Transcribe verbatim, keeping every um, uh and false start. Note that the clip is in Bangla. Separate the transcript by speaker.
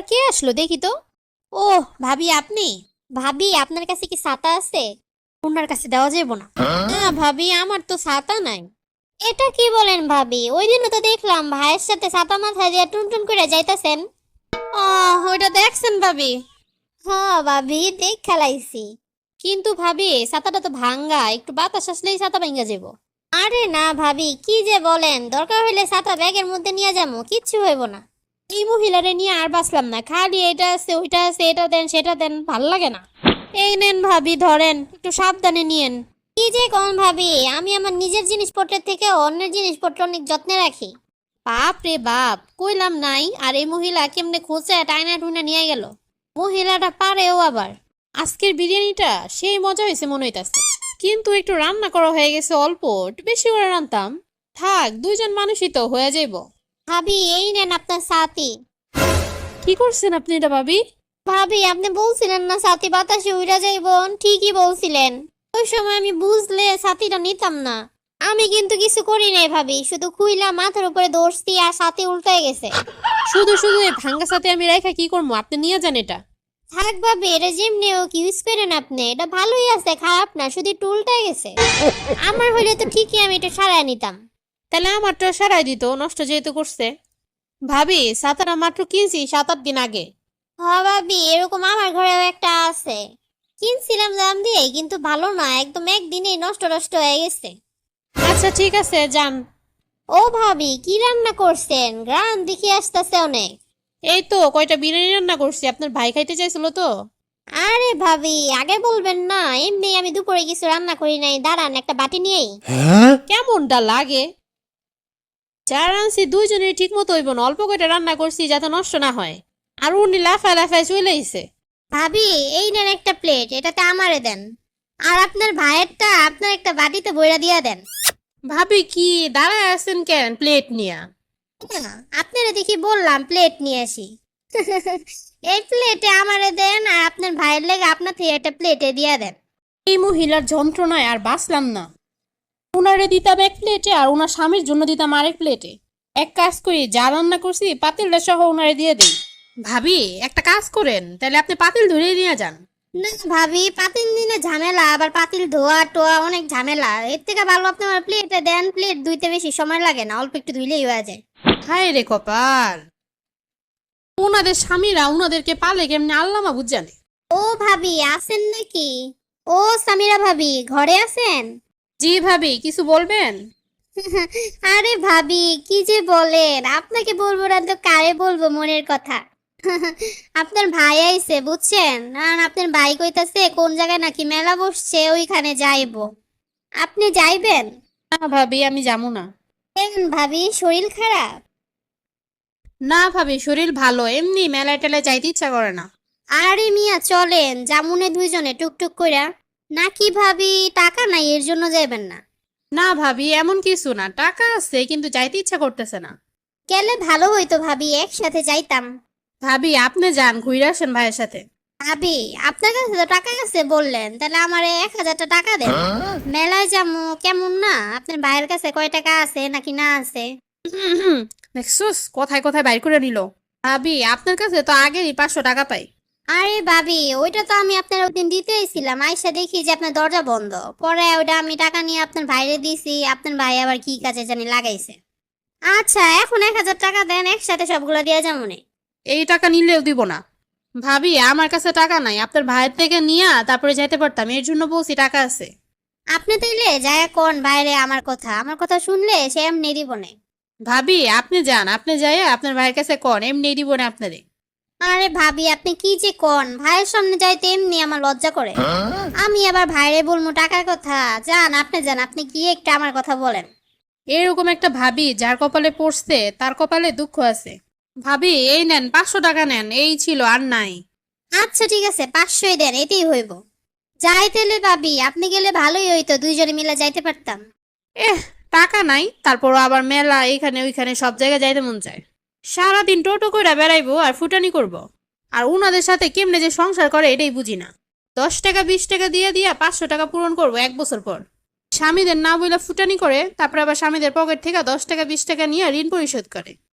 Speaker 1: আবার কে আসলো দেখি তো। ও ভাবি আপনি? ভাবি আপনার কাছে কি ছাতা আছে? ওনার কাছে দেওয়া যাবে না। না ভাবি আমার তো ছাতা নাই। এটা কি বলেন ভাবি? ওই দিনও তো দেখলাম ভাইয়ের সাথে ছাতা মাথায় দিয়ে টুনটুন করে যাইতাছেন। ও ওইটা দেখছেন ভাবি? হ্যাঁ ভাবি দেখ খেলাইছি। কিন্তু ভাবি ছাতাটা তো ভাঙ্গা, একটু বাতাস আসলেই ছাতা ভাঙ্গা যাবো। আরে না ভাবি কি যে বলেন, দরকার হলে ছাতা ব্যাগের মধ্যে নিয়ে যাবো, কিচ্ছু হইব না। এই মহিলারে নিয়ে আর বাঁচলাম না, খালি এটা আছে ওইটা আছে, এটা দেন সেটা দেন, ভাল লাগে না। এই নেন ভাবি ধরেন, একটু সাবধানে নিয়েন। কি যে কোন ভাবি, আমি আমার নিজের জিনিসপত্রের থেকে অন্যের জিনিসপত্র অনেক যত্নে রাখি। বাপ রে বাপ, কইলাম নাই। আর এই মহিলা কেমনে খোঁচা টাইনা টুইনা নিয়ে গেল। মহিলাটা পারেও আবার। আজকের বিরিয়ানিটা সেই মজা হয়েছে মনে হইতাছে, কিন্তু একটু রান্না করা হয়ে গেছে অল্প, একটু বেশি করে রান্তাম। থাক দুইজন মানুষই তো হয়ে যাইব। ভাবি এই নেন আপনার সাথী। কি করছেন আপনি এটা ভাবি? ভাবি আপনি বলছিলেন না সাথী বাতাসে উড়া যাইব, ঠিকই বলছিলেন। ওই সময় আমি বুঝলে সাথীটা নিতাম না। আমি কিন্তু কিছু করি নাই ভাবি, শুধু খুইলা মাথার উপরে দৌড়ছি আর সাথী উল্টায় গেছে। শুধু শুধু এই ভাঙ্গা সাথে আমি রেখা কি করবো, আপনি নিয়ে যান এটা। থাক ভাবি এটা যেমনি হোক ইউজ করেন আপনি, এটা ভালোই আছে, খারাপ না, শুধু একটু উল্টায় গেছে। আমার হলে তো ঠিকই আমি এটা সারাই নিতাম। তাহলে আমারটা সারাই দিত, নষ্ট যেহেতু করছে। ভাবি সাতারা মাত্র কিনছি সাত আট দিন আগে। হ্যাঁ ভাবি এরকম আমার ঘরেও একটা আছে, কিনছিলাম দাম দিয়ে, কিন্তু ভালো না, একদম একদিনেই নষ্ট নষ্ট হয়ে গেছে। আচ্ছা ঠিক আছে যান। ও ভাবি কি রান্না করছেন? গ্রাম দেখি আসতেছে অনেক। এই তো কয়টা বিরিয়ানি রান্না করছি, আপনার ভাই খাইতে চাইছিল তো। আরে ভাবি আগে বলবেন না, এমনি আমি দুপুরে কিছু রান্না করি নাই, দাঁড়ান একটা বাটি নিয়েই। কেমনটা লাগে? যা রান্নাছি দুইজনের ঠিক মতো হইব না, অল্প কয়টা রান্না করছি যাতে নষ্ট না হয়। আর উনি লাফায় লাফায় চলে আইছে। ভাবি এই নেন একটা প্লেট, এটাতে আমারে দেন। আর আপনার ভাইয়েরটা আপনার একটা বাটিতে বইরা দিয়া দেন। ভাবি কি দাঁড়ায় আছেন কেন প্লেট নিয়া? আপনারা দেখি বললাম প্লেট নিয়ে আসি। এই প্লেটে আমারে দেন, আর আপনার ভাইয়ের লেগে আপনার থেকে একটা প্লেটে দিয়া দেন। এই মহিলার যন্ত্রণায় আর বাঁচলাম না। উনারে দিতাম এক প্লেটে আর উনার স্বামীর জন্য দিতাম আরেক প্লেটে। এক কাজ করি, যা রান্না করছি পাতিলটা সহ উনারে দিয়ে দেই। ভাবি একটা কাজ করেন, তাহলে আপনি পাতিল ধরে নিয়ে যান। না ভাবি পাতিল নিলে ঝামেলা, আবার পাতিল ধোয়া টোয়া অনেক ঝামেলা, এর থেকে ভালো আপনি আমার প্লেটে দেন, প্লেট ধুইতে বেশি সময় লাগে না, অল্প একটু ধুইলেই হয়ে যায়। হায় রে কপাল, ওনাদের স্বামীরা উনাদেরকে পালে কেমনে আল্লাহ মাবুদ জানে। ও ভাবি আছেন নাকি? ও সামিরা ভাবি ঘরে আছেন? জি ভাবি কিছু বলবেন? আরে ভাবি কি যে বলেন, আপনাকে বলবো না তো কারে বলবো মনের কথা। আপনার ভাই আইছে বুঝছেন, আর আপনার ভাই কইতাছে কোন জায়গায় নাকি মেলা বসছে, ওইখানে যাইবো। আপনি যাইবেন? না ভাবি আমি যাবো না। কেন ভাবি শরীর খারাপ? না ভাবি শরীর ভালো, এমনি মেলায় টেলায় যাইতে ইচ্ছা করে না। আরে মিয়া চলেন জামুনে দুইজনে টুকটুক কইরা। নাকি ভাবি টাকা নাই এর জন্য যাইবেন না? না ভাবি এমন কিছু না, টাকা আছে কিন্তু যাইতে ইচ্ছা করতেছে না। গেলে ভালো হইতো ভাবি, একসাথে যাইতাম। ভাবি আপনি যান ঘুরে আসেন ভাইয়ের সাথে। ভাবি আপনার কাছে তো টাকা আছে বললেন, তাহলে আমার এক হাজারটা টাকা দেন। মেলায় যাবো কেমন না, আপনার ভাইয়ের কাছে কয় টাকা আছে নাকি না আছে? দেখছস কোথায় কোথায় বাইর করে নিল। ভাবি আপনার কাছে তো আগেই পাঁচশো টাকা পাই। আরে ভাবি ওইটা তো আমি আপনার ওদিন দিতেইছিলাম, আইসা দেখি যে আপনার দরজা বন্ধ, পরে ওইটা আমি টাকা নিয়ে আপনার ভাইরে দিছি, আপনার ভাই আবার কি কাজে জানি লাগাইছে। আচ্ছা এখন এক হাজার টাকা দেন, একসাথে সবগুলো দিয়ে যাবো নে। এই টাকা নিলেও দিব না। ভাবি আমার কাছে টাকা নাই, আপনার ভাইয়ের থেকে নিয়ে তারপরে যাইতে পারতাম, এর জন্য বলছি টাকা আছে। আপনি তাইলে যায় কোন বাইরে, আমার কথা আমার কথা শুনলে সে এমনি দিব না। ভাবি আপনি যান, আপনি যাই আপনার ভাইয়ের কাছে কোন, এমনি দিব না আপনারে। আরে ভাবি আপনি কি যে কোন, ভাইয়ের সামনে যাইতে এমনি আমার লজ্জা করে। আমি আবার ভাইরে বলবো টাকার কথা? যান আপনি যান, আপনি কি একটা আমার কথা বলেন। এরকম একটা ভাবি যার কপালে পড়ছে তার কপালে দুঃখ আছে। ভাবি এই নেন পাঁচশো টাকা নেন, এই ছিল আর নাই। আচ্ছা ঠিক আছে পাঁচশোই দেন, এটাই হইব। যাইতেলে ভাবি আপনি গেলে ভালোই হইতো, দুইজনে মিলে যাইতে পারতাম। এহ টাকা নাই, তারপর আবার মেলা এখানে ওইখানে সব জায়গায় যাইতে মন চায়। সারাদিন টোটো করে বেড়াইবো আর ফুটানি করব। আর উনাদের সাথে কেমনে যে সংসার করে এটাই বুঝি না। দশ টাকা বিশ টাকা দিয়ে দিয়া পাঁচশো টাকা পূরণ করবো এক বছর পর। স্বামীদের না বইলা ফুটানি করে, তারপর আবার স্বামীদের পকেট থেকে দশ টাকা বিশ টাকা নিয়ে ঋণ পরিশোধ করে।